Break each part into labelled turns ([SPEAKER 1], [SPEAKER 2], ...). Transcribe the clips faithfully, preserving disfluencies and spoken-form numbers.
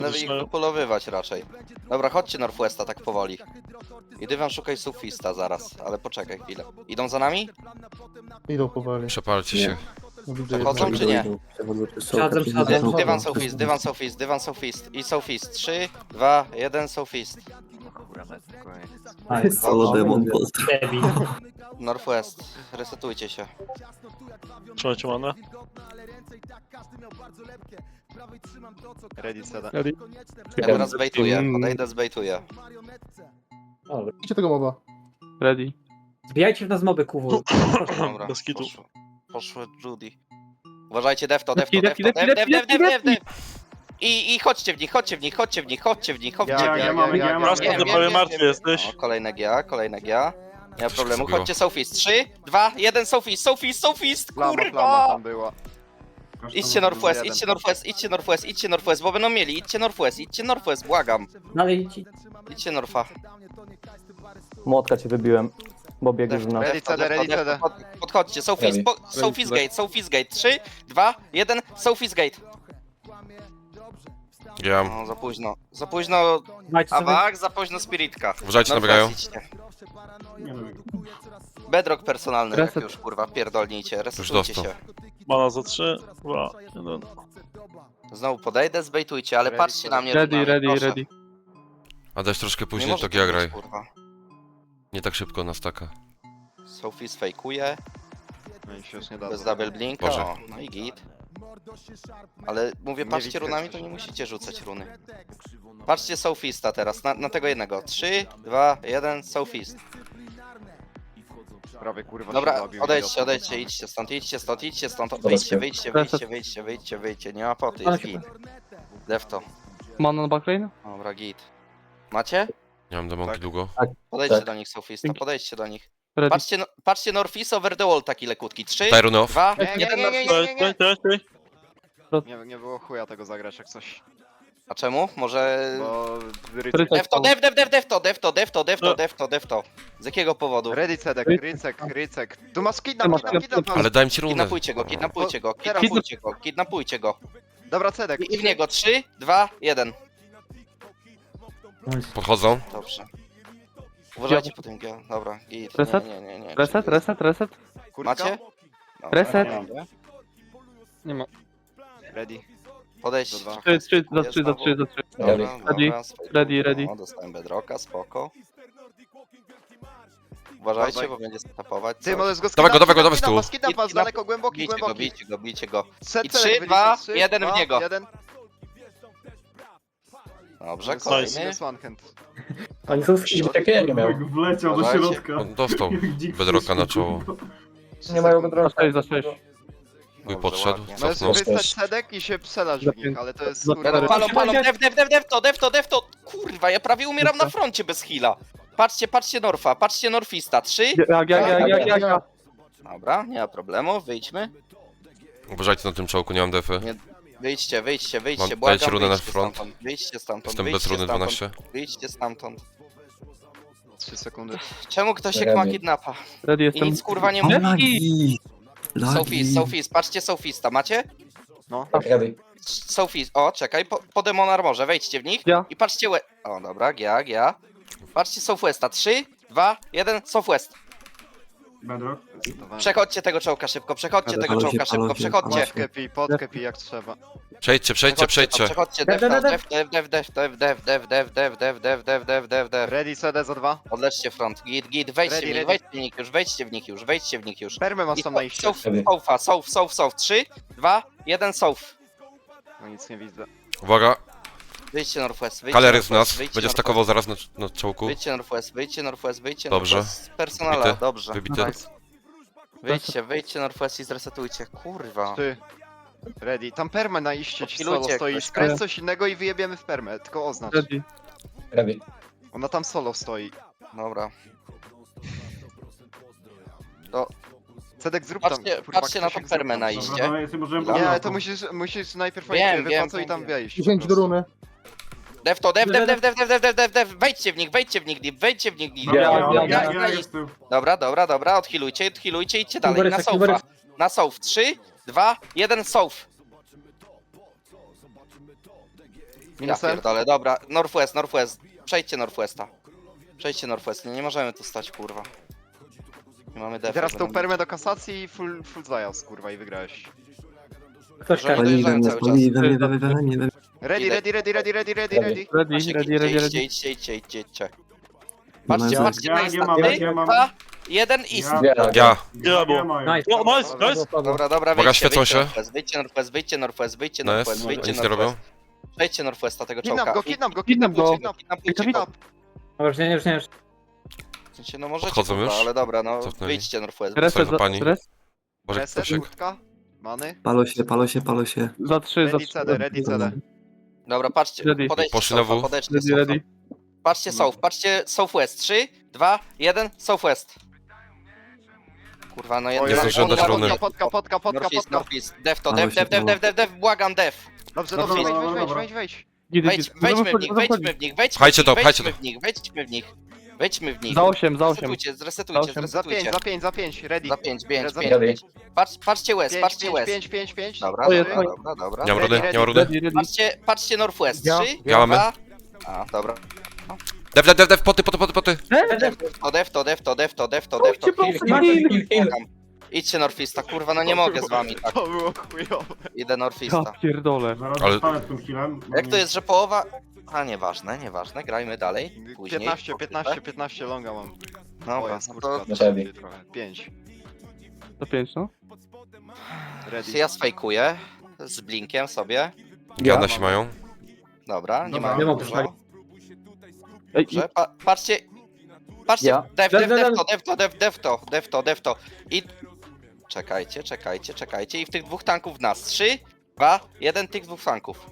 [SPEAKER 1] Będę ich dopolowywać raczej. Dobra, chodźcie Northwesta tak powoli. I Dywan szukaj Sufista zaraz, ale poczekaj chwilę. Idą za nami?
[SPEAKER 2] Idą powoli.
[SPEAKER 3] Przepalcie się.
[SPEAKER 2] Widzę
[SPEAKER 1] Przechodzą
[SPEAKER 2] jednego.
[SPEAKER 1] czy nie?
[SPEAKER 4] Przodem, przodem.
[SPEAKER 1] Dy- Dywan Sufist, Dywan Sufist, Dywan Sufist i Sufist. trzy, dwa, jeden Sufist.
[SPEAKER 4] Solo demon,
[SPEAKER 5] Debil.
[SPEAKER 1] Northwest, resetujcie się.
[SPEAKER 6] Trzymajcie manę.
[SPEAKER 7] Ready, Ceda.
[SPEAKER 2] Ready?
[SPEAKER 1] Ja teraz zbejtuję, podejdę zbejtuję.
[SPEAKER 5] Dobra.
[SPEAKER 2] Idźcie tego moba. Ready.
[SPEAKER 5] Zbijajcie w nas moby, kuwu.
[SPEAKER 1] Dobra,
[SPEAKER 6] Bez kitu.
[SPEAKER 1] poszło, poszło Judy. Uważajcie, defto, defto,
[SPEAKER 2] Defki,
[SPEAKER 1] defto,
[SPEAKER 2] defki,
[SPEAKER 1] def,
[SPEAKER 2] defki,
[SPEAKER 1] def, def,
[SPEAKER 2] defki,
[SPEAKER 1] def, def. I, I chodźcie w nich, chodźcie w nich, chodźcie w nich, chodźcie w nich, chodźcie w
[SPEAKER 7] Ja,
[SPEAKER 1] nich.
[SPEAKER 7] ja, ja, ja, ja,
[SPEAKER 6] Prosto
[SPEAKER 1] wiem,
[SPEAKER 6] do
[SPEAKER 1] wiem,
[SPEAKER 6] prawej
[SPEAKER 1] wiem,
[SPEAKER 6] martwy
[SPEAKER 1] wiem.
[SPEAKER 6] jesteś.
[SPEAKER 1] O, kolejne G A, kolejne G A. Nie ma
[SPEAKER 3] Coś
[SPEAKER 1] problemu,
[SPEAKER 3] zrobiło.
[SPEAKER 1] chodźcie Sofist. trzy, dwa, jeden Sofist, Sofist, Sofist,
[SPEAKER 7] Plama, plama
[SPEAKER 1] kurwa!
[SPEAKER 7] tam była.
[SPEAKER 1] Idźcie Northwest,
[SPEAKER 7] jeden.
[SPEAKER 1] idźcie Northwest, idźcie Northwest, idźcie Northwest, bo będą mieli, idźcie Northwest, idźcie Northwest, błagam.
[SPEAKER 5] Dalej ci.
[SPEAKER 1] Idźcie Norfa.
[SPEAKER 4] Młotka cię wybiłem, bo biegł
[SPEAKER 1] Defto,
[SPEAKER 4] w nas.
[SPEAKER 7] Ready,
[SPEAKER 1] defto,
[SPEAKER 7] CD,
[SPEAKER 1] defto,
[SPEAKER 7] ready,
[SPEAKER 1] defto,
[SPEAKER 7] CD.
[SPEAKER 1] pod- Podchodźcie, Sofist, po, Sofist Gate, Sofist Gate. trzy, dwa, jeden, Sofist Gate.
[SPEAKER 3] Ja.
[SPEAKER 1] No, za późno, za późno
[SPEAKER 5] Dajcie sobie.
[SPEAKER 1] Awak, za późno Spiritka.
[SPEAKER 3] Uważajcie,
[SPEAKER 1] Northwest,
[SPEAKER 3] nabiegają.
[SPEAKER 1] idźcie. Bedrock personalny, jak
[SPEAKER 2] Reset.
[SPEAKER 1] już kurwa, pierdolnijcie,
[SPEAKER 3] Już
[SPEAKER 1] resetujcie
[SPEAKER 3] dostał.
[SPEAKER 1] się.
[SPEAKER 6] Mana za trzy, dwa, jeden.
[SPEAKER 1] Znowu podejdę, zbejtujcie, ale
[SPEAKER 7] Ready,
[SPEAKER 1] patrzcie na mnie
[SPEAKER 2] Ready,
[SPEAKER 1] runami,
[SPEAKER 2] ready,
[SPEAKER 1] proszę.
[SPEAKER 2] ready.
[SPEAKER 3] A dać troszkę
[SPEAKER 1] Nie
[SPEAKER 3] później,
[SPEAKER 1] może
[SPEAKER 3] to
[SPEAKER 1] tak
[SPEAKER 3] ja
[SPEAKER 1] być,
[SPEAKER 3] graj.
[SPEAKER 1] kurwa.
[SPEAKER 3] Nie tak szybko na staka.
[SPEAKER 1] Sophie fejkuje,
[SPEAKER 7] No i się już nie da.
[SPEAKER 1] bez double blinka,
[SPEAKER 3] Boże.
[SPEAKER 1] o, no i git. Ale mówię,
[SPEAKER 7] Nie
[SPEAKER 1] patrzcie
[SPEAKER 7] widzę
[SPEAKER 1] runami,
[SPEAKER 7] coś.
[SPEAKER 1] to nie musicie rzucać runy. Patrzcie Sophista teraz, na, na tego jednego. trzy, dwa, jeden, Sophist.
[SPEAKER 7] Prawie kurwa
[SPEAKER 1] Dobra,
[SPEAKER 7] się zabił,
[SPEAKER 1] odejdźcie,
[SPEAKER 7] idiota.
[SPEAKER 1] odejdźcie, idźcie stąd, idźcie stąd, idźcie stąd, wyjdźcie, wyjdźcie, wyjdźcie, wyjdźcie, wyjdźcie, wyjdźcie, nie ma poty, jest git. Defto,
[SPEAKER 2] Mana na backlane?
[SPEAKER 1] dobra, git. Macie?
[SPEAKER 3] Nie mam demonki
[SPEAKER 7] Tak.
[SPEAKER 3] długo.
[SPEAKER 1] Podejdźcie do nich, Sophista, podejdźcie do nich.
[SPEAKER 2] Ready.
[SPEAKER 1] Patrzcie, no, patrzcie Northeast over the wall, taki lekutki. trzy,
[SPEAKER 3] Tyrun off.
[SPEAKER 1] dwa,
[SPEAKER 7] Nie, nie,
[SPEAKER 1] jeden,
[SPEAKER 7] nie, nie,
[SPEAKER 1] Northeast.
[SPEAKER 7] nie, nie,
[SPEAKER 6] Czekaj, czekaj, czekaj.
[SPEAKER 7] nie. Nie było chuja tego zagrać jak coś.
[SPEAKER 1] A czemu? Może...
[SPEAKER 7] Bo...
[SPEAKER 2] Rycek.
[SPEAKER 1] Defto, def, def, def, defto, defto, defto, defto,
[SPEAKER 6] No.
[SPEAKER 1] defto, defto. Z jakiego powodu?
[SPEAKER 7] Ready, Cedek, Rycek, Rycek. Tu masz kidnap,
[SPEAKER 2] Masz
[SPEAKER 7] kidnap, kidnap.
[SPEAKER 3] Ale daj mi ci runę.
[SPEAKER 1] Kidnapujcie go, kidnapujcie go,
[SPEAKER 7] Teraz.
[SPEAKER 1] kidnapujcie go, kidnapujcie go.
[SPEAKER 7] Dobra, Cedek.
[SPEAKER 1] I, i w niego trzy, dwa, jeden.
[SPEAKER 3] Podchodzą.
[SPEAKER 1] Dobrze. Uważajcie po tym, G- dobra, git.
[SPEAKER 2] Reset?
[SPEAKER 1] Nie, nie, nie, nie.
[SPEAKER 2] Reset, reset, reset.
[SPEAKER 7] Kurka?
[SPEAKER 1] Macie? Dobra,
[SPEAKER 2] Reset.
[SPEAKER 1] dobra.
[SPEAKER 2] Nie ma.
[SPEAKER 7] Ready.
[SPEAKER 1] Podejdź.
[SPEAKER 7] Do dwa.
[SPEAKER 2] trzy, trzy, za trzy, za trzy, za trzy.
[SPEAKER 1] Dobra,
[SPEAKER 2] Ready,
[SPEAKER 1] dobra, spokojnie.
[SPEAKER 2] ready, ready.
[SPEAKER 1] No, dostałem bedrocka, spoko. Uważajcie, bo będzie stopować.
[SPEAKER 7] Ty możesz go
[SPEAKER 3] Dawaj go, dawaj go,
[SPEAKER 7] skidnap,
[SPEAKER 3] dawaj z tyłu.
[SPEAKER 7] skidnap, skidnap, z daleko, głęboki,
[SPEAKER 1] Bijcie go,
[SPEAKER 7] głęboki.
[SPEAKER 1] bijcie go, bijcie go.
[SPEAKER 7] Set,
[SPEAKER 1] I
[SPEAKER 7] Cedek,
[SPEAKER 1] trzy,
[SPEAKER 7] wyliczę.
[SPEAKER 1] dwa,
[SPEAKER 7] Trzy,
[SPEAKER 1] jeden w
[SPEAKER 7] dwa,
[SPEAKER 1] niego.
[SPEAKER 7] Jeden.
[SPEAKER 1] Dobrze,
[SPEAKER 6] Nice.
[SPEAKER 1] kolejny.
[SPEAKER 7] Minus one hand.
[SPEAKER 5] Oni są w takie ja nie miał.
[SPEAKER 8] Wleciał do
[SPEAKER 1] Uważajcie.
[SPEAKER 8] środka.
[SPEAKER 3] On dostał bedrocka na czoło.
[SPEAKER 4] Nie mają
[SPEAKER 2] Za
[SPEAKER 4] bedrocka.
[SPEAKER 2] sześć, za sześć.
[SPEAKER 3] Chuj
[SPEAKER 1] Dobrze,
[SPEAKER 3] podszedł,
[SPEAKER 1] ładnie.
[SPEAKER 7] Możesz
[SPEAKER 3] cofnął.
[SPEAKER 7] wystać Cedek i się przelasz w nich, ale to jest
[SPEAKER 2] Za-
[SPEAKER 7] kurwa...
[SPEAKER 1] Palą, palą, def, def, def, def to, def to, def to. Kurwa, ja prawie umieram na froncie bez heala. Patrzcie, patrzcie Norfa, patrzcie Norfista. Trzy.
[SPEAKER 2] Jak, jak, jak, jak, jak, jak.
[SPEAKER 1] Dobra, nie ma problemu, wyjdźmy.
[SPEAKER 3] Uważajcie na tym czołku, nie mam defy.
[SPEAKER 1] Nie, Wyjdźcie, wyjdźcie, wyjdźcie,
[SPEAKER 3] Mam-
[SPEAKER 1] błagam,
[SPEAKER 3] dajcie runę na
[SPEAKER 1] wyjdźcie
[SPEAKER 3] front.
[SPEAKER 1] stamtąd, wyjdźcie stamtąd,
[SPEAKER 3] Jestem bez
[SPEAKER 1] wyjdźcie
[SPEAKER 3] runy
[SPEAKER 1] stamtąd,
[SPEAKER 3] dwanaście.
[SPEAKER 1] wyjdźcie stamtąd.
[SPEAKER 7] trzy sekundy.
[SPEAKER 1] Czemu ktoś jak ma kidnapa?
[SPEAKER 2] Ready
[SPEAKER 1] I
[SPEAKER 2] jestem.
[SPEAKER 1] nic kurwa nie mówi.
[SPEAKER 4] Lagi!
[SPEAKER 1] Sofist, Sofist, patrzcie Sofista, macie?
[SPEAKER 7] No.
[SPEAKER 1] Sofist, o czekaj, po, po Demon Armorze, wejdźcie w nich
[SPEAKER 2] Ja.
[SPEAKER 1] i patrzcie łe... O dobra, ja, ja. Patrzcie Southwesta, trzy, dwa, jeden, Southwest.
[SPEAKER 8] Bedrock.
[SPEAKER 1] Przechodźcie tego czołka szybko, przechodźcie
[SPEAKER 4] Ale
[SPEAKER 1] tego
[SPEAKER 4] palą się,
[SPEAKER 1] czołka
[SPEAKER 4] palą
[SPEAKER 1] szybko,
[SPEAKER 4] się,
[SPEAKER 1] przechodźcie.
[SPEAKER 4] palą
[SPEAKER 7] Podkepi, podkepi jak trzeba.
[SPEAKER 3] Przejdźcie, przejdźcie, przejdźcie.
[SPEAKER 1] Przechodźcie,
[SPEAKER 5] Def,
[SPEAKER 1] def,
[SPEAKER 5] def,
[SPEAKER 1] def, def, def, def, def, def, def, def, def, def, def, def, def, def.
[SPEAKER 7] Ready, C D za dwa.
[SPEAKER 1] Odleczcie front, git, git, wejdźcie w
[SPEAKER 7] Ready,
[SPEAKER 1] nich,
[SPEAKER 7] ready.
[SPEAKER 1] wejdźcie w nich już, wejdźcie w nich już, wejdźcie w nich już.
[SPEAKER 7] Permę masz
[SPEAKER 1] I
[SPEAKER 7] tam na iście.
[SPEAKER 1] Sof, Sofa, Sof, Sof, Sof, trzy, dwa, jeden, Sof.
[SPEAKER 7] No nic nie widzę.
[SPEAKER 3] Uwaga,
[SPEAKER 1] Wyjdźcie Northwest, wyjdźcie
[SPEAKER 3] Kaler jest w
[SPEAKER 1] Northwest,
[SPEAKER 3] nas.
[SPEAKER 1] wyjdźcie
[SPEAKER 3] Będzie
[SPEAKER 1] Northwest.
[SPEAKER 3] stakował zaraz na, na czołku.
[SPEAKER 1] Wyjdźcie Northwest, wyjdźcie Northwest, wyjdźcie
[SPEAKER 3] Dobrze.
[SPEAKER 1] Northwest. Z personala,
[SPEAKER 3] Wybity.
[SPEAKER 1] dobrze.
[SPEAKER 3] Wybity.
[SPEAKER 1] Nice. Wyjdźcie, wyjdźcie Northwest i zresetujcie, kurwa.
[SPEAKER 7] Ty. Ready. Tam permę na iście ci
[SPEAKER 1] Podpilujcie
[SPEAKER 7] solo stoi.
[SPEAKER 1] jakoś,
[SPEAKER 7] Skręć coś innego i wyjebiemy w permę. Tylko oznacz.
[SPEAKER 2] Ready.
[SPEAKER 7] Ona tam solo stoi.
[SPEAKER 1] Dobra. To
[SPEAKER 7] Cedek zrób tam.
[SPEAKER 1] patrzcie,
[SPEAKER 7] kurwa,
[SPEAKER 1] patrzcie na tą
[SPEAKER 7] Krzysiek,
[SPEAKER 1] permę
[SPEAKER 7] zrób
[SPEAKER 1] na
[SPEAKER 7] tam.
[SPEAKER 1] iście.
[SPEAKER 8] Dobra, dawaj, sobie możemy
[SPEAKER 1] Nie,
[SPEAKER 7] Nie,
[SPEAKER 8] po
[SPEAKER 7] ale to
[SPEAKER 8] bloku.
[SPEAKER 7] musisz, musisz najpierw
[SPEAKER 1] Wiem,
[SPEAKER 7] oni
[SPEAKER 1] wiem,
[SPEAKER 7] wypłacą i
[SPEAKER 1] wiem,
[SPEAKER 7] tam
[SPEAKER 1] wiem.
[SPEAKER 7] wejść. po
[SPEAKER 2] dziesięć do
[SPEAKER 7] prostu.
[SPEAKER 2] runy.
[SPEAKER 1] Def to, def, def, def, def, def, def, def, def, def, wejdźcie w nich, wejdźcie w nich, deep, wejdźcie w nich, deep.
[SPEAKER 8] Dobra,
[SPEAKER 2] Ja,
[SPEAKER 8] ja,
[SPEAKER 2] ja,
[SPEAKER 8] ja,
[SPEAKER 1] ja,
[SPEAKER 8] ja
[SPEAKER 1] ja.
[SPEAKER 8] jestem.
[SPEAKER 1] Dobra, dobra, dobra, odhilujcie, odhilujcie, idźcie dalej,
[SPEAKER 5] Kuberek,
[SPEAKER 1] na
[SPEAKER 5] kuberek.
[SPEAKER 1] sofa. Na sof, trzy, dwa, jeden, sof.
[SPEAKER 7] Minusem?
[SPEAKER 1] pierdolę, dobra. Northwest, Northwest. Przejdźcie Northwesta. Przejdźcie Northwest. Nie, nie możemy tu stać, kurwa. Nie mamy
[SPEAKER 7] I
[SPEAKER 1] defa.
[SPEAKER 7] teraz tą
[SPEAKER 1] będą-
[SPEAKER 7] permę do kasacji i full, full zajazd, kurwa, i wygrałeś.
[SPEAKER 5] Ktoś
[SPEAKER 1] Możemy
[SPEAKER 5] każe.
[SPEAKER 1] dojeżdżają cały czas.
[SPEAKER 7] Ready,
[SPEAKER 1] Idę.
[SPEAKER 7] ready, ready, ready, ready, ready, ready.
[SPEAKER 2] Ready,
[SPEAKER 1] Macie,
[SPEAKER 2] ready,
[SPEAKER 1] idźcie,
[SPEAKER 2] ready,
[SPEAKER 1] idźcie,
[SPEAKER 2] ready.
[SPEAKER 1] idźcie, idźcie, idźcie, idźcie. Patrzcie,
[SPEAKER 4] mam-
[SPEAKER 1] patrzcie
[SPEAKER 8] Ja
[SPEAKER 1] na
[SPEAKER 8] nie
[SPEAKER 1] Insta.
[SPEAKER 8] mam,
[SPEAKER 1] Trzy,
[SPEAKER 8] ja mam.
[SPEAKER 1] dwa, jeden i...
[SPEAKER 8] Ja,
[SPEAKER 2] Ja.
[SPEAKER 3] Ja.
[SPEAKER 6] Ja, bo-
[SPEAKER 8] mają.
[SPEAKER 5] Nice.
[SPEAKER 6] O, nice, nice.
[SPEAKER 1] Dobra, dobra,
[SPEAKER 3] Uwaga,
[SPEAKER 1] wyjdźcie,
[SPEAKER 3] świecą
[SPEAKER 1] wyjdźcie
[SPEAKER 3] się.
[SPEAKER 1] Northwest, wyjdźcie Northwest, wyjdźcie Northwest, wyjdźcie
[SPEAKER 3] No jest,
[SPEAKER 1] Northwest, wyjdźcie
[SPEAKER 3] nic nie robią.
[SPEAKER 1] Northwest. Przejdźcie Northwesta tego
[SPEAKER 7] Kidnap
[SPEAKER 1] czołka.
[SPEAKER 7] go,
[SPEAKER 1] I-
[SPEAKER 7] kidnap go,
[SPEAKER 2] Kidnap
[SPEAKER 7] kidnap go,
[SPEAKER 2] go.
[SPEAKER 7] kidnap.
[SPEAKER 1] Kidnapujcie
[SPEAKER 2] Kidnap.
[SPEAKER 1] go.
[SPEAKER 5] No już nie, już nie, już.
[SPEAKER 1] W sensie, no możecie,
[SPEAKER 3] Podchodzą
[SPEAKER 1] kurwa,
[SPEAKER 3] już?
[SPEAKER 1] ale dobra, no
[SPEAKER 3] Cofnęli.
[SPEAKER 1] wyjdźcie Northwest.
[SPEAKER 2] Reset,
[SPEAKER 3] Słuchaj, pani.
[SPEAKER 2] za, res,
[SPEAKER 3] Może
[SPEAKER 7] Reset,
[SPEAKER 3] ktoś...
[SPEAKER 7] kurtka. Many.
[SPEAKER 4] Palo się, palo się, palo się.
[SPEAKER 2] za trzy, za
[SPEAKER 7] Ready,
[SPEAKER 2] trzy.
[SPEAKER 7] C D, ready, C D.
[SPEAKER 1] Dobra, patrzcie,
[SPEAKER 2] Ready.
[SPEAKER 1] podejdźcie
[SPEAKER 3] Poszli na
[SPEAKER 1] Sofa,
[SPEAKER 3] W.
[SPEAKER 1] podejdźcie
[SPEAKER 2] Ready,
[SPEAKER 1] Sofa.
[SPEAKER 2] ready.
[SPEAKER 1] Patrzcie South, patrzcie Southwest. trzy, dwa, jeden, Southwest. Kurwa, no jeden.
[SPEAKER 3] Nie zdążyłem dać runy.
[SPEAKER 7] Potka, potka, potka,
[SPEAKER 1] Northeast,
[SPEAKER 7] potka.
[SPEAKER 1] Northeast. Def to,
[SPEAKER 4] Ale
[SPEAKER 1] def,
[SPEAKER 4] się
[SPEAKER 1] def, def,
[SPEAKER 4] było.
[SPEAKER 1] def, def, def, błagam, def.
[SPEAKER 7] Dobrze,
[SPEAKER 8] Dobra,
[SPEAKER 7] dobrze, wejdź,
[SPEAKER 8] dobra,
[SPEAKER 7] wejdź, wejdź,
[SPEAKER 8] dobra.
[SPEAKER 7] wejdź, wejdź.
[SPEAKER 2] Git,
[SPEAKER 1] Wejdź,
[SPEAKER 2] git.
[SPEAKER 1] wejdźmy w
[SPEAKER 2] Zachodzi,
[SPEAKER 1] nich, wejdźmy
[SPEAKER 2] zachodzi.
[SPEAKER 1] w nich, wejdźmy
[SPEAKER 3] Pchajcie
[SPEAKER 1] w
[SPEAKER 3] to,
[SPEAKER 1] nich,
[SPEAKER 3] pchajcie
[SPEAKER 1] wejdźmy w nich, wejdźmy w nich. Wejdźmy w nich.
[SPEAKER 2] Za osiem, za osiem.
[SPEAKER 1] Zresetujcie, zresetujcie,
[SPEAKER 2] Za osiem.
[SPEAKER 7] Za pięć,
[SPEAKER 1] zresetujcie.
[SPEAKER 7] za pięć, za pięć, ready.
[SPEAKER 1] Za pięć, pięć,
[SPEAKER 7] Za
[SPEAKER 1] pięć,
[SPEAKER 5] pięć.
[SPEAKER 1] pięć. Patrz, patrzcie West,
[SPEAKER 7] Pięć,
[SPEAKER 1] patrzcie
[SPEAKER 7] pięć,
[SPEAKER 1] West.
[SPEAKER 7] pięć, pięć, pięć.
[SPEAKER 1] Dobra,
[SPEAKER 2] O, jest,
[SPEAKER 1] dobra,
[SPEAKER 2] oj.
[SPEAKER 1] dobra, dobra.
[SPEAKER 3] Nie mam
[SPEAKER 7] Ready,
[SPEAKER 3] rudy,
[SPEAKER 7] ready.
[SPEAKER 3] nie mam rudy.
[SPEAKER 2] Ready, ready.
[SPEAKER 1] Patrzcie, patrzcie Northwest.
[SPEAKER 2] Ja.
[SPEAKER 1] trzy,
[SPEAKER 3] Ja mamy.
[SPEAKER 1] dwa... A, dobra.
[SPEAKER 3] Dev, dev, dev, dev, poty, poty, poty, poty.
[SPEAKER 1] Def to, def to, def to, def to, def to, def to.
[SPEAKER 2] Chodźcie, proszę,
[SPEAKER 1] Błagam.
[SPEAKER 2] heal.
[SPEAKER 1] Błagam. Idźcie Northeasta, kurwa, no nie mogę z wami tak.
[SPEAKER 7] To było chujowe.
[SPEAKER 1] Idę
[SPEAKER 2] Ja
[SPEAKER 1] Northeasta.
[SPEAKER 2] pierdolę.
[SPEAKER 8] Zaraz
[SPEAKER 3] Ale-
[SPEAKER 8] zostanę z tym healem. bo
[SPEAKER 1] Jak
[SPEAKER 8] nie-
[SPEAKER 1] to jest, że połowa... A, nieważne, nieważne, grajmy dalej. Później.
[SPEAKER 7] piętnaście, piętnaście, piętnaście longa mam. O,
[SPEAKER 1] Dobra,
[SPEAKER 7] jest
[SPEAKER 1] no
[SPEAKER 7] kurtka,
[SPEAKER 1] to
[SPEAKER 7] to się trochę. pięć.
[SPEAKER 2] To pięć, no.
[SPEAKER 7] Ready.
[SPEAKER 1] ja sfejkuję z blinkiem sobie.
[SPEAKER 3] Gada się mają.
[SPEAKER 1] Dobra, nie
[SPEAKER 8] Dobra.
[SPEAKER 1] ma
[SPEAKER 5] Nie ma
[SPEAKER 1] dużo.
[SPEAKER 5] puszczali.
[SPEAKER 2] Ej,
[SPEAKER 1] Dobrze, pa patrzcie. Patrzcie,
[SPEAKER 4] Ja.
[SPEAKER 1] def,
[SPEAKER 5] Def,
[SPEAKER 1] def,
[SPEAKER 5] def,
[SPEAKER 1] def
[SPEAKER 5] def.
[SPEAKER 1] to, def to, def, def to, def to, def to. I... Czekajcie, czekajcie, czekajcie. I w tych dwóch tanków w nas. Trzy, dwa, jeden tych dwóch tanków.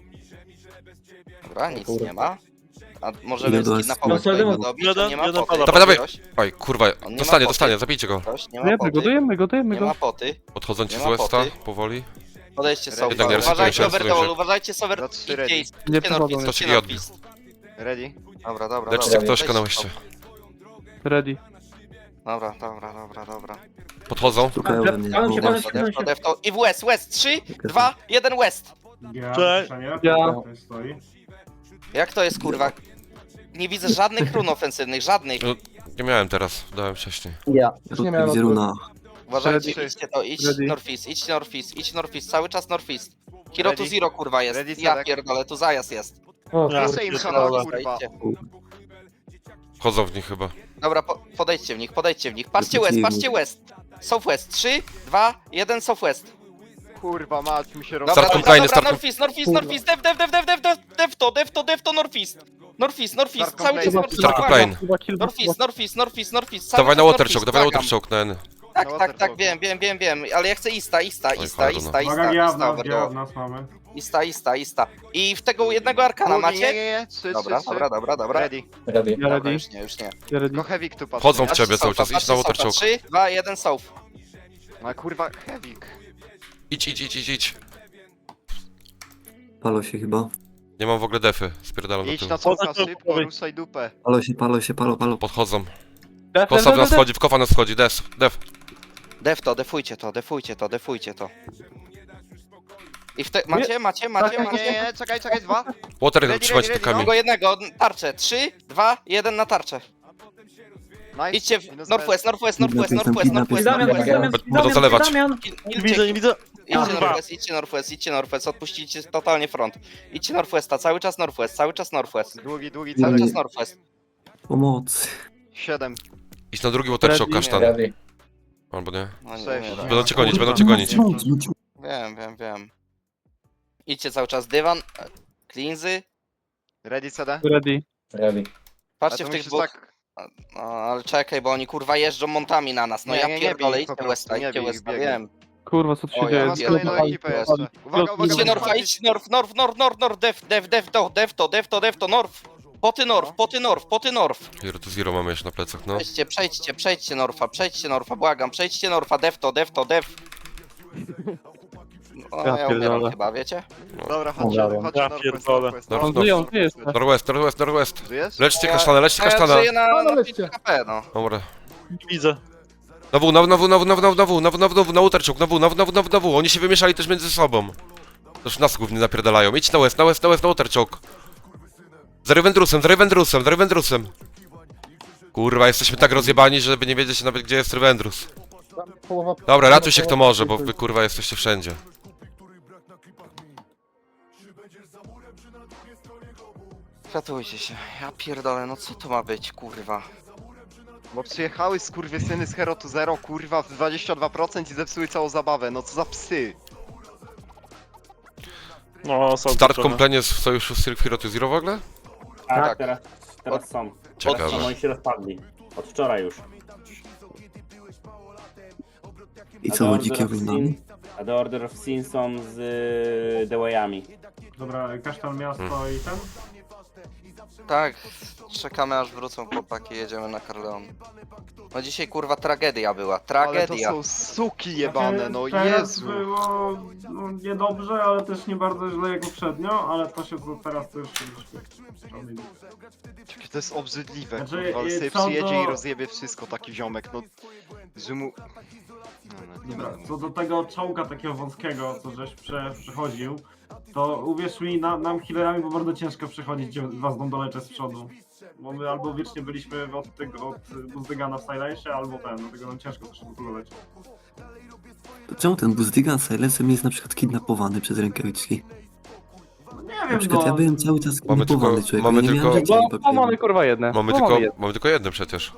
[SPEAKER 1] Dobra, nic nie ma. A możemy
[SPEAKER 4] Ile było?
[SPEAKER 1] skidnapować
[SPEAKER 5] No,
[SPEAKER 1] go i go
[SPEAKER 5] jeden,
[SPEAKER 1] dobić, on nie ma
[SPEAKER 6] jeden
[SPEAKER 1] poty.
[SPEAKER 6] pada.
[SPEAKER 3] Dawaj, dawaj.
[SPEAKER 1] Ktoś,
[SPEAKER 3] Oj, kurwa,
[SPEAKER 1] On nie ma
[SPEAKER 3] dostanie,
[SPEAKER 1] poty.
[SPEAKER 3] dostanie, zabijcie go.
[SPEAKER 1] ktoś, nie ma
[SPEAKER 2] dojemy go,
[SPEAKER 1] poty.
[SPEAKER 2] dojemy go, dojemy
[SPEAKER 1] Nie ma
[SPEAKER 2] go.
[SPEAKER 1] poty.
[SPEAKER 3] Podchodzą ci
[SPEAKER 1] Nie
[SPEAKER 3] z
[SPEAKER 1] ma
[SPEAKER 3] Westa,
[SPEAKER 1] poty.
[SPEAKER 3] powoli.
[SPEAKER 1] Podejdźcie sobie.
[SPEAKER 7] Jednak nie
[SPEAKER 3] resetują
[SPEAKER 1] Uważajcie
[SPEAKER 3] się,
[SPEAKER 1] Overdole,
[SPEAKER 3] resetują się.
[SPEAKER 1] uważajcie Sover...
[SPEAKER 7] Za trzy
[SPEAKER 1] Idźcie,
[SPEAKER 7] ready.
[SPEAKER 1] idźcie
[SPEAKER 2] Nie przechodzą.
[SPEAKER 1] Northeast,
[SPEAKER 3] To się
[SPEAKER 1] idźcie
[SPEAKER 3] nie odbił.
[SPEAKER 1] Northeast.
[SPEAKER 7] Ready.
[SPEAKER 1] Dobra, dobra,
[SPEAKER 3] Leczcie
[SPEAKER 1] dobra.
[SPEAKER 3] ktoś
[SPEAKER 1] weźcie
[SPEAKER 3] na
[SPEAKER 1] to.
[SPEAKER 3] łeście.
[SPEAKER 2] Ready.
[SPEAKER 1] Dobra, dobra, dobra, dobra.
[SPEAKER 3] Podchodzą.
[SPEAKER 4] Szukają we mnie.
[SPEAKER 5] Palam się,
[SPEAKER 4] Bo-
[SPEAKER 5] palam
[SPEAKER 1] Def to, def to, def to. I w West, West. trzy, dwa, jeden West.
[SPEAKER 8] Ja,
[SPEAKER 6] Cześć.
[SPEAKER 8] Szania,
[SPEAKER 2] Ja.
[SPEAKER 8] tutaj stoi.
[SPEAKER 1] Jak to jest, kurwa? Nie widzę żadnych run ofensywnych, żadnych.
[SPEAKER 3] No, nie miałem teraz, dałem wcześniej.
[SPEAKER 4] Ja.
[SPEAKER 2] nie miałem
[SPEAKER 4] Gdzie runa?
[SPEAKER 1] Uważajcie,
[SPEAKER 2] Ready.
[SPEAKER 1] idźcie to, idź
[SPEAKER 2] Ready.
[SPEAKER 1] Northeast, idź Northeast, idź Northeast, cały czas Northeast. Hero to
[SPEAKER 7] Ready.
[SPEAKER 1] zero, kurwa, jest.
[SPEAKER 7] Ready,
[SPEAKER 1] Ja
[SPEAKER 7] Cedek.
[SPEAKER 1] pierdolę, tu zajazd jest.
[SPEAKER 5] O,
[SPEAKER 6] Ja.
[SPEAKER 5] kurde.
[SPEAKER 7] Same
[SPEAKER 6] Dobra,
[SPEAKER 7] hama, kurwa.
[SPEAKER 1] Idźcie.
[SPEAKER 3] Wchodzą w nich chyba.
[SPEAKER 1] Dobra, po, podejdźcie w nich, podejdźcie w nich. Patrzcie
[SPEAKER 4] Wrócili.
[SPEAKER 1] West, patrzcie West. Southwest, trzy, dwa, jeden Southwest.
[SPEAKER 7] Kurwa, mać mi się
[SPEAKER 1] Dobra,
[SPEAKER 7] roz...
[SPEAKER 3] Start
[SPEAKER 1] dobra,
[SPEAKER 3] complainy,
[SPEAKER 1] dobra,
[SPEAKER 3] start-
[SPEAKER 1] Northeast, Northeast, Northeast, dev, dev, dev, dev, dev, dev, dev to, dev to, dev to, Northeast. Northeast, Northeast,
[SPEAKER 7] Start
[SPEAKER 1] cały czas
[SPEAKER 7] complain.
[SPEAKER 1] Northeast.
[SPEAKER 3] Start
[SPEAKER 1] błagam.
[SPEAKER 3] complain.
[SPEAKER 2] Chyba kill,
[SPEAKER 1] Northeast, Northeast, Northeast, Northeast, cały
[SPEAKER 3] Dawaj na
[SPEAKER 1] czas
[SPEAKER 3] water choke,
[SPEAKER 1] Northeast,
[SPEAKER 3] dawaj na
[SPEAKER 1] błagam.
[SPEAKER 3] water choke na N.
[SPEAKER 1] Tak,
[SPEAKER 7] Na
[SPEAKER 1] tak, tak,
[SPEAKER 7] waterfall.
[SPEAKER 1] wiem, wiem, wiem, wiem, ale ja chcę ista, ista,
[SPEAKER 3] Oj,
[SPEAKER 1] ista,
[SPEAKER 3] cholera,
[SPEAKER 1] ista,
[SPEAKER 8] Uwaga,
[SPEAKER 1] ista,
[SPEAKER 8] ja w
[SPEAKER 1] ista,
[SPEAKER 8] nas, ja
[SPEAKER 1] overdose.
[SPEAKER 8] w nas mamy.
[SPEAKER 1] Ista, ista, ista. I w tego jednego arkana
[SPEAKER 7] Drugi, Nie, nie,
[SPEAKER 1] macie?
[SPEAKER 7] nie, trzy,
[SPEAKER 1] Dobra,
[SPEAKER 7] trzy, trzy.
[SPEAKER 1] dobra, dobra, dobra.
[SPEAKER 7] Ready.
[SPEAKER 5] Ready.
[SPEAKER 2] Ja
[SPEAKER 1] Dobra,
[SPEAKER 2] ready,
[SPEAKER 1] już nie, już nie.
[SPEAKER 2] ja ready.
[SPEAKER 7] Tylko Hevik tu patrzy.
[SPEAKER 3] Chodzą w
[SPEAKER 1] Patrzcie
[SPEAKER 3] ciebie cały
[SPEAKER 1] Sofa,
[SPEAKER 3] czas, idź
[SPEAKER 1] patrzcie
[SPEAKER 3] na water
[SPEAKER 1] Sofa.
[SPEAKER 3] choke.
[SPEAKER 1] trzy, dwa, jeden South.
[SPEAKER 7] No kurwa, Hevik.
[SPEAKER 3] Idź, idź, idź, idź, idź.
[SPEAKER 4] Palo się chyba.
[SPEAKER 3] Nie mam w ogóle defy, spierdalam do
[SPEAKER 7] Idź
[SPEAKER 3] tyłu.
[SPEAKER 7] na córka
[SPEAKER 6] Poza-
[SPEAKER 7] szybko, ruszaj dupę.
[SPEAKER 4] Palo się, palo się, palo, palo.
[SPEAKER 3] Podchodzą.
[SPEAKER 2] Def,
[SPEAKER 3] Kosa
[SPEAKER 2] def,
[SPEAKER 3] w nas
[SPEAKER 2] def,
[SPEAKER 3] wchodzi, w kofa nas wchodzi, def, def.
[SPEAKER 1] Def to, defujcie to, defujcie to, defujcie to. I w te... Macie, macie, macie,
[SPEAKER 7] Nie, nie,
[SPEAKER 1] macie?
[SPEAKER 7] nie, czekaj, czekaj, dwa.
[SPEAKER 3] Water
[SPEAKER 7] Ready,
[SPEAKER 3] trzymajcie
[SPEAKER 7] ready,
[SPEAKER 3] takami.
[SPEAKER 1] Tego jednego, tarczę. trzy, dwa, jeden na tarczę.
[SPEAKER 7] Nice.
[SPEAKER 1] Idźcie w
[SPEAKER 7] Minus
[SPEAKER 1] Northwest, Northwest, Northwest,
[SPEAKER 4] Kidnap,
[SPEAKER 1] Northwest,
[SPEAKER 4] kidnap,
[SPEAKER 1] Northwest,
[SPEAKER 5] Damian,
[SPEAKER 1] Northwest.
[SPEAKER 5] Damian,
[SPEAKER 3] Będą
[SPEAKER 5] Damian,
[SPEAKER 3] zalewać.
[SPEAKER 5] Damian.
[SPEAKER 6] Nie widzę, nie widzę.
[SPEAKER 1] Idźcie
[SPEAKER 6] Kurwa.
[SPEAKER 1] Northwest, idźcie Northwest, idźcie Northwest, odpuścicie totalnie front. Idźcie Northwesta, cały czas Northwest, cały czas Northwest.
[SPEAKER 7] Długi, długi,
[SPEAKER 1] Cały
[SPEAKER 7] cały
[SPEAKER 1] czas Northwest.
[SPEAKER 4] Pomocy.
[SPEAKER 7] siedem.
[SPEAKER 3] Idź na drugi water choke,
[SPEAKER 2] Ready.
[SPEAKER 3] kasztan.
[SPEAKER 5] Ready.
[SPEAKER 3] Albo nie.
[SPEAKER 1] No nie,
[SPEAKER 7] Sześć.
[SPEAKER 1] nie, nie.
[SPEAKER 3] Będą cię gonić, będą cię gonić.
[SPEAKER 1] Wiem, wiem, wiem. Idźcie cały czas dywan, e, cleansy.
[SPEAKER 7] Ready, C D?
[SPEAKER 2] ready.
[SPEAKER 5] Ready.
[SPEAKER 1] Patrzcie
[SPEAKER 7] A
[SPEAKER 1] w
[SPEAKER 7] to
[SPEAKER 1] tych
[SPEAKER 7] musisz
[SPEAKER 1] dwóch.
[SPEAKER 7] tak...
[SPEAKER 1] No ale czekaj, bo oni kurwa jeżdżą montami na nas. No
[SPEAKER 7] Nie,
[SPEAKER 1] ja
[SPEAKER 7] nie, nie
[SPEAKER 1] pierdolę,
[SPEAKER 7] bij ich
[SPEAKER 1] idźcie
[SPEAKER 7] po prostu,
[SPEAKER 1] Westa,
[SPEAKER 7] nie
[SPEAKER 1] idźcie
[SPEAKER 7] bij ich,
[SPEAKER 1] Westa,
[SPEAKER 7] biegaj.
[SPEAKER 1] wiem.
[SPEAKER 2] Kurwa, co tu się
[SPEAKER 1] O, ja
[SPEAKER 2] dzieje?
[SPEAKER 7] Masz
[SPEAKER 1] wiem.
[SPEAKER 7] kolejną
[SPEAKER 2] Kurwa,
[SPEAKER 7] ekipę jeszcze. Uwaga, uwaga,
[SPEAKER 1] Idźcie
[SPEAKER 7] uwaga,
[SPEAKER 1] Norfa, idźcie Norf, Norf, Norf, Norf, Norf, Norf, Def, Def to, Def to, Def to, Def to, Norf. Poty Norf, poty Norf, poty Norf.
[SPEAKER 3] Hero to zero mamy jeszcze na plecach, no.
[SPEAKER 1] Przejdźcie, przejdźcie, przejdźcie Norfa, przejdźcie Norfa, błagam, przejdźcie Norfa, Def to, Def to, Def. No,
[SPEAKER 2] Ja
[SPEAKER 1] ja umieram
[SPEAKER 2] pierdolę.
[SPEAKER 1] chyba, wiecie?
[SPEAKER 7] Dobra, chodźcie,
[SPEAKER 5] Dobra.
[SPEAKER 7] chodźcie,
[SPEAKER 6] Ja
[SPEAKER 7] Northwest,
[SPEAKER 6] pierdolę.
[SPEAKER 7] Northwest,
[SPEAKER 3] Dobra,
[SPEAKER 2] On
[SPEAKER 3] no.
[SPEAKER 2] żyje, on żyje jeszcze.
[SPEAKER 3] Northwest, Northwest, Northwest.
[SPEAKER 7] Żyjesz?
[SPEAKER 3] Leczcie
[SPEAKER 1] Ja-
[SPEAKER 3] kasztana, leczcie
[SPEAKER 1] A ja
[SPEAKER 3] kasztana.
[SPEAKER 1] żyję na, na pięć K P, no.
[SPEAKER 3] Dobra.
[SPEAKER 6] Nie widzę.
[SPEAKER 3] Na W, na W, na W, na W, na W, na W, na W, na W, na W, na W, na water choke, na W, na W, na W, na W, na W. Oni się wymieszali też między sobą. Też nas głównie napierdalają. Idź na West, na West, na West, na water choke. Za Revendrusem, za Revendrusem, za Revendrusem. Kurwa, jesteśmy tak rozjebani, żeby nie wiedzieć nawet gdzie jest Revendrus.
[SPEAKER 9] Połowa...
[SPEAKER 3] Dobra, ratuj się kto może, bo wy kurwa jesteście wszędzie.
[SPEAKER 1] Ratujcie się. Ja pierdolę, no co to ma być, kurwa?
[SPEAKER 7] Bo przyjechały skurwysyny z Hero to Zero, kurwa, w dwadzieścia dwa procent i zepsuły całą zabawę, no co za psy.
[SPEAKER 6] No, są
[SPEAKER 3] Start
[SPEAKER 6] trochę.
[SPEAKER 3] komplenie z sojuszu z Hero to Zero w ogóle?
[SPEAKER 5] Tak,
[SPEAKER 1] Tak.
[SPEAKER 5] teraz, teraz są.
[SPEAKER 3] Ciekawe.
[SPEAKER 5] Oni się rozpadli. Od wczoraj już.
[SPEAKER 10] I
[SPEAKER 5] A
[SPEAKER 10] co,
[SPEAKER 5] The
[SPEAKER 10] łodzi
[SPEAKER 5] Order of
[SPEAKER 10] oglądamy?
[SPEAKER 5] Sin- A The Order of Sin są z y, The Way'ami.
[SPEAKER 8] Dobra, kasztan miasto i ten?
[SPEAKER 1] Tak, czekamy aż wrócą chłopaki, jedziemy na Carleon. No dzisiaj kurwa tragedia była,
[SPEAKER 7] Ale to
[SPEAKER 1] tragedia.
[SPEAKER 7] są suki jebane, no
[SPEAKER 8] Teraz
[SPEAKER 7] Jezu.
[SPEAKER 8] było no, niedobrze, ale też nie bardzo źle jak poprzednio, ale to się to teraz też...
[SPEAKER 7] Jakie to jest obrzydliwe,
[SPEAKER 8] Znaczy,
[SPEAKER 7] kurwa, ale
[SPEAKER 8] y,
[SPEAKER 7] sobie
[SPEAKER 8] co
[SPEAKER 7] przyjedzie
[SPEAKER 8] do-
[SPEAKER 7] i rozjebie wszystko, taki ziomek, no... Że mu... No, no, nie
[SPEAKER 8] Dobra,
[SPEAKER 7] będę
[SPEAKER 8] co do tego czołga takiego wąskiego, co żeś prze, przechodził, to uwierz mi, na, nam healerami było bardzo ciężko przechodzić, gdzie was doleczę z przodu. Bo my albo wiecznie byliśmy od tego, od Buzdygana w Silensie, albo ten, dlatego nam ciężko też było dolecieć.
[SPEAKER 10] To czemu ten Buzdygan Silencem jest na przykład kidnapowany przez rękawiczki?
[SPEAKER 8] No nie
[SPEAKER 10] Na
[SPEAKER 8] wiem,
[SPEAKER 10] przykład
[SPEAKER 8] no...
[SPEAKER 10] ja byłem cały czas
[SPEAKER 3] Mamy
[SPEAKER 10] kidnapowany,
[SPEAKER 3] tylko-
[SPEAKER 10] człowiek.
[SPEAKER 3] mamy
[SPEAKER 10] ja nie
[SPEAKER 3] tylko-
[SPEAKER 10] miałem rzeczy ani
[SPEAKER 2] No,
[SPEAKER 10] papieru.
[SPEAKER 2] mamy kurwa jedne.
[SPEAKER 3] Mamy
[SPEAKER 2] No,
[SPEAKER 3] tylko,
[SPEAKER 2] jedne.
[SPEAKER 3] mamy tylko jedno przecież.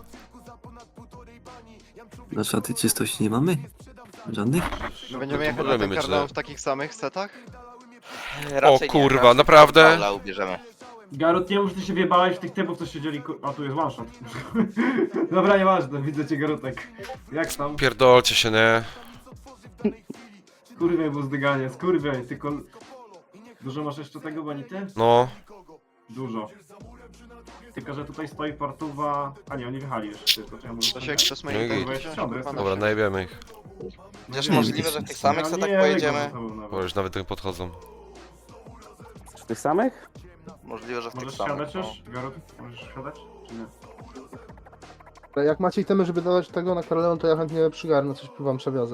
[SPEAKER 10] Na szaty czystości nie mamy? Żadnych?
[SPEAKER 7] My będziemy jechać na
[SPEAKER 3] Możemy
[SPEAKER 7] ten
[SPEAKER 3] mieć,
[SPEAKER 7] Carleon
[SPEAKER 3] że-
[SPEAKER 7] w takich samych setach?
[SPEAKER 1] Raczej
[SPEAKER 3] O kurwa,
[SPEAKER 1] nie, raczej
[SPEAKER 3] naprawdę?
[SPEAKER 1] Paula ubierzemy.
[SPEAKER 8] Garut, nie mów, że ty się wjebałeś w tych typów, co siedzieli ku... A tu jest one shot. Dobra, nieważne, widzę cię Garutek. Jak tam?
[SPEAKER 3] Pierdolcie się, nie?
[SPEAKER 8] Skurwiej Buzdyganie, skurwiej, tylko... Dużo masz jeszcze tego, bonity?
[SPEAKER 3] No.
[SPEAKER 8] Dużo. Tylko, że tutaj stoi portuwa... A nie, oni wychali jeszcze. To, ja może
[SPEAKER 7] To się chcesz
[SPEAKER 3] No i
[SPEAKER 7] main
[SPEAKER 3] git.
[SPEAKER 7] tank wziąć?
[SPEAKER 8] Dobra,
[SPEAKER 7] Kurwa,
[SPEAKER 3] Dobra,
[SPEAKER 7] na
[SPEAKER 3] najebiemy ich.
[SPEAKER 1] Chociaż
[SPEAKER 10] Nie,
[SPEAKER 1] możliwe,
[SPEAKER 10] nie,
[SPEAKER 1] że w tych
[SPEAKER 10] nie,
[SPEAKER 1] samych setach pojedziemy.
[SPEAKER 3] Bo już nawet nie podchodzą.
[SPEAKER 5] Z tych samych?
[SPEAKER 1] Możliwe, że w tych
[SPEAKER 8] Możesz
[SPEAKER 1] samych.
[SPEAKER 8] siadać
[SPEAKER 1] no.
[SPEAKER 8] już? Garut, możesz siadać? Czy nie?
[SPEAKER 9] Jak macie itemy, żeby dawać tego na Carleon, to ja chętnie przygarnę, coś wam przewiozę.